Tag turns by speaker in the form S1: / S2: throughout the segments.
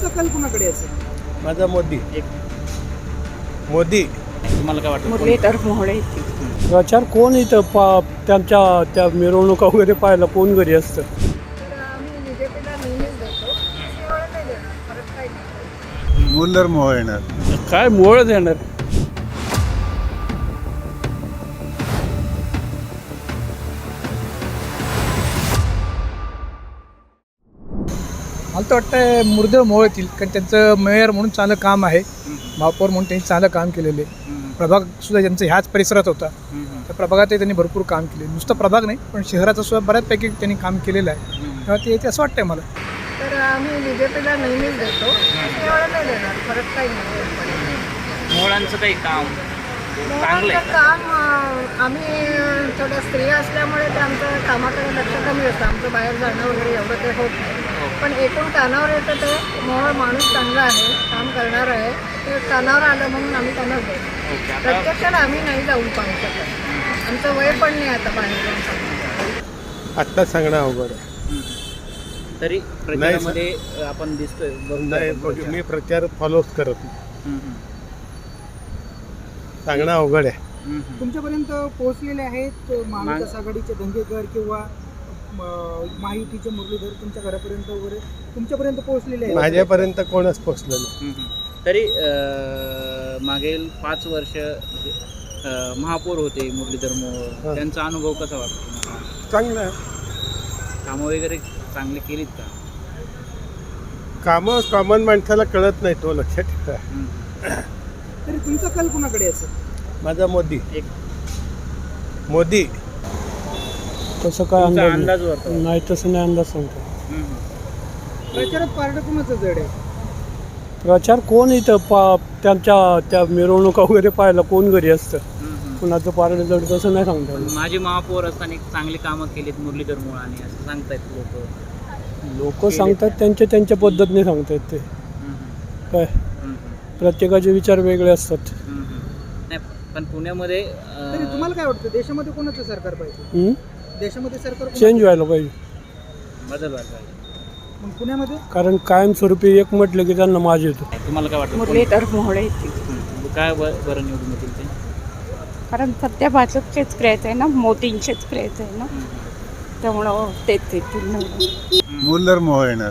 S1: तुमचा कल कुणाकडे असेल?
S2: माझा मोदी. मोदी.
S3: तुम्हाला काय वाटतं?
S4: मुरलीधर मोहोळे.
S2: प्रचार कोण इथं त्यांच्या त्या मिरवणुका वगैरे पाहायला कोण घरी असतं?
S5: मुरलीधर मोहोळ येणार.
S2: काय मोहळच येणार.
S1: मला तर वाटतं मुरलीधर मोहोळ येतील, कारण त्यांचं मेयर म्हणून चांगलं काम आहे, महापौर म्हणून त्यांनी चांगलं काम केलेले. प्रभाग सुद्धा ज्यांचा ह्याच परिसरात होता, त्या प्रभागातही त्यांनी भरपूर काम केले. नुसतं प्रभाग नाही, पण शहराचं सुद्धा बऱ्याचपैकी त्यांनी काम केलेलं आहे. तेव्हा ते येते असं वाटतंय मला.
S4: तर आम्ही बीजेपीला नेहमीच देतो, एवढं नाही देणार, फरक काही नाही.
S3: मोहळांचं काही काम चांगलं आहे का?
S4: काम आम्ही थोड्या स्त्रिया असल्यामुळे ते आमचं कामाकडे लक्ष कमी असतं, आमचं बाहेर जाणं वगैरे एवढं ते होत नाही. पण एकूण कानावर येतं ते मोहोळ माणूस चांगला आहे, काम करणार आहे, ते कानावर आलं म्हणून आम्ही त्यांना देतो.
S3: ओके, आता
S4: प्रत्यक्षात आम्ही नाही जाऊन पाहू शकत, आमचं वय पण नाही आता बाहेर जाऊन सांगतो.
S2: आत्ता सांगणं अवघड आहे.
S3: तरी प्रचारामध्ये आपण दिसतोय
S2: नाही, मी प्रचार फॉलोच करत नाही. सांगणं अवघड आहे.
S1: तुमच्यापर्यंत पोहोचलेले आहेत महाविकास आघाडीचे धंगेकर किंवा महायुतीचे मुरलीधर तुमच्या घरापर्यंत वगैरे तुमच्यापर्यंत पोहोचलेले आहेत?
S2: माझ्यापर्यंत कोणच पोचलं नाही.
S3: तरी मागील 5 वर्ष महापौर होते मुरलीधर मोहोळ, त्यांचा अनुभव कसा वाटतो?
S2: चांगलं आहे.
S3: कामं वगैरे चांगले केलीत का?
S2: कामं कॉमन माणसाला कळत नाही, तो लक्षात ठेवा.
S1: तरी तुमचा कल कुणाकडे असेल?
S2: माझा मोदी.
S3: एक
S2: मोदी. तसं काय
S3: तुमचा
S2: अंदाज
S3: अंदाज वाटतो?
S2: नाही, तसं नाही अंदाज सांगतो.
S1: प्रचारात पारडं कुणाचं जड आहे?
S2: प्रचार कोण इथं त्यांच्या त्या मिरवणुका वगैरे पाहायला कोण घरी असतं? कुणाचं पारडं जड तसं नाही सांगता येत.
S3: माझे महापौर असताना चांगली कामं केलीत मुरलीधर मोहोळांनी असं सांगतायत
S2: लोक सांगतात त्यांच्या पद्धतीने सांगतात ते. काय प्रत्येकाचे विचार वेगळे असतात.
S3: नाही, पण पुण्यामध्ये
S1: तरी तुम्हाला काय वाटतं, देशामध्ये कोणाचं सरकार पाहिजे? देशामध्ये सरकार
S2: चेंज व्हायला पाहिजे.
S3: बदल व्हायला पाहिजे.
S1: मग पुण्यामध्ये
S2: कारण कायमस्वरूपी एक म्हटलं की त्यांना माज येतो.
S3: तुम्हाला काय वाटतं?
S4: मुरलीधर मोहोळे.
S3: काय बरं निवडून येतील ते?
S4: कारण सध्या भाजपचेच क्रेज आहे ना, मोदींचेच क्रेज आहे ना, त्यामुळं तेच येतील निवडून.
S5: मुरलीधर मोहोळ येणार.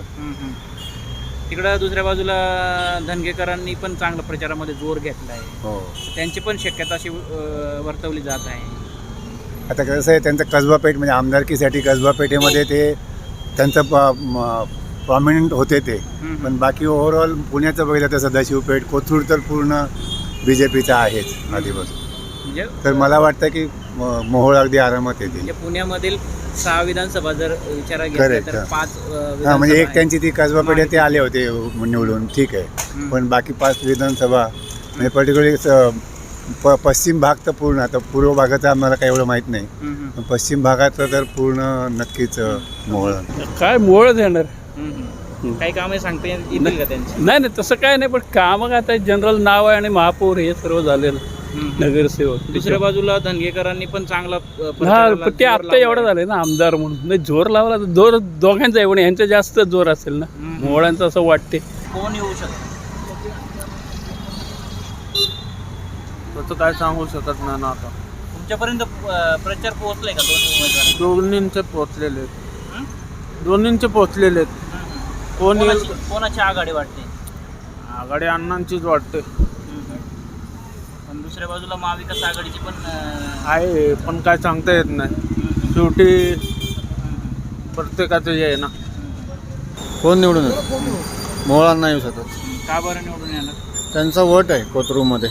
S3: तिकडं दुसऱ्या बाजूला धनगेकरांनी पण चांगला प्रचारामध्ये जोर घेतला आहे.
S5: हो.
S3: त्यांची पण शक्यता अशी वर्तवली जात आहे.
S5: आता कसं आहे, त्यांचं कसबा पेठ म्हणजे आमदारकीसाठी कसबा पेठेमध्ये ते त्यांचं प्रॉमिनंट होते ते. पण बाकी ओव्हरऑल पुण्याचं बघितलं तर सदाशिव पेठ, कोथरूड तर पूर्ण BJPचा आहेच आधीपासून.
S3: म्हणजे
S5: तर मला वाटतं की मोहोळ अगदी आरामात येतील.
S3: म्हणजे पुण्यामधील 6 विधानसभा जर विचारात घेतल्या
S5: Correct,
S3: तर
S5: हा.
S3: 5
S5: हां, म्हणजे एक त्यांची ती कसबा पेठ ते आले होते निवडून, ठीक आहे. पण बाकी 5 विधानसभा म्हणजे पर्टिक्युलरली पश्चिम भाग तर पूर्ण, आता पूर्व भागाचं आम्हाला काही एवढं माहीत नाही, पण पश्चिम भागाचं तर पूर्ण नक्कीच मोहोळ.
S2: काय मोहळच येणार.
S3: काही कामे सांगता येतील का त्यांची?
S2: नाही नाही, तसं काय नाही, पण कामं आता जनरल नाव आहे आणि महापौर हे सर्व झालेलं नगरसेवक.
S3: दुसऱ्या बाजूला धनगेकरांनी पण चांगला
S2: हा,
S3: प्रचाराला
S2: पण ते
S3: जोर
S2: आत्ता
S3: लावलाय.
S2: एवढं झालंय ना आमदार म्हणून. नाही, जोर लावला तर दोघांचा आहे, पण यांचा जास्त जोर असेल ना मोहळांचं असं वाटते.
S3: कोण येऊ शकतं?
S6: त्याचं काय सांगू शकत नाही ना. आता
S3: तुमच्यापर्यंत प्रचार पोहोचलाय का दोन्ही उमेदवार?
S6: दोन्हींचे पोचलेले आहेत. दोन्हींचे पोचलेले आहेत. कोण येईल?
S3: कोणाची आघाडी वाटते?
S6: आघाडी अण्णांचीच वाटते.
S3: पण दुसऱ्या बाजूला महाविकास आघाडीची पण
S6: आहे, पण काय सांगता येत नाही. शेवटी प्रत्येकाचं हे आहे ना.
S7: कोण निवडून येतो? मोहळांना येऊ शकतात.
S3: का बरं निवडून येणार?
S7: त्यांचा वट आहे कोथरूडमध्ये.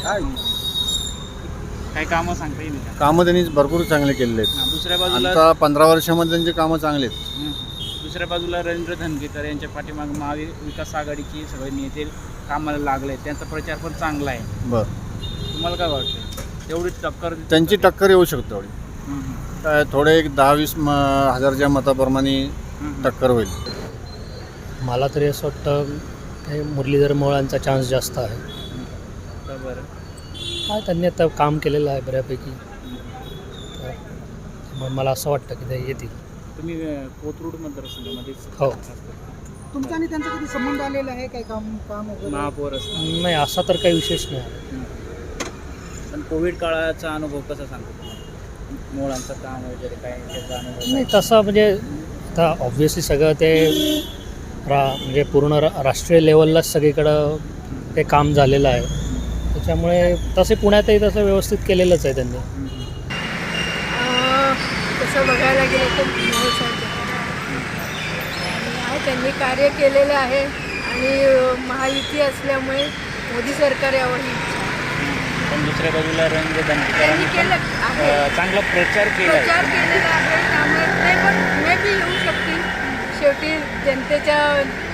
S3: काही कामं सांगता येईल का?
S7: कामं त्यांनी भरपूर चांगले केलेले आहेत.
S3: दुसऱ्या बाजूला
S7: आता 15 वर्षामध्ये त्यांची कामं चांगली आहेत.
S3: दुसऱ्या बाजूला रवींद्र धनगेकर यांच्या पाठीमागे महाविकास आघाडीची सगळे नेते कामाला लागले, त्यांचा प्रचार पण चांगला आहे.
S7: बरं,
S3: तुम्हाला काय वाटतं? तेवढी टक्कर
S7: त्यांची टक्कर येऊ शकते एवढी. काय थोडे एक 10-20 हजारच्या मताप्रमाणे टक्कर होईल.
S8: मला तरी असं वाटतं हे मुरलीधर मोहोळांचा चान्स जास्त आहे.
S3: बरं.
S8: काय त्यांनी आता काम केलेलं आहे बऱ्यापैकी, तर मग मला असं वाटतं की ते येतील.
S3: तुम्ही कोथरूड मतदारसंघामध्ये
S8: हो.
S9: तुमचा आणि त्यांचा कधी संबंध आलेला आहे काय काम काम वगैरे
S3: महापौर असतात.
S8: नाही असा तर काही विशेष नाही.
S3: पण कोविड काळाचा अनुभव कसा सांगतो मोळांचं काम वगैरे काय त्याचा अनुभव
S8: नाही तसं म्हणजे आता ऑब्व्हियसली सगळं ते म्हणजे पूर्ण राष्ट्रीय लेवललाच सगळीकडं ते काम झालेलं आहे. त्याच्यामुळे तसे पुण्यातही तसं व्यवस्थित केलेलंच आहे त्यांनी.
S4: तसं बघायला गेलं तर त्यांनी कार्य केलेलं आहे आणि महायुती असल्यामुळे मोदी सरकार यावं ही इच्छा आहे.
S3: पण दुसऱ्या बाजूला रवींद्र
S4: त्यांनी
S3: धनगेकरांनी
S4: केलं आहे,
S3: चांगला प्रचार केला
S4: प्रचार केलेला आहे. त्यामुळे ते पण मे बी येऊ शकतील. शेवटी जनतेच्या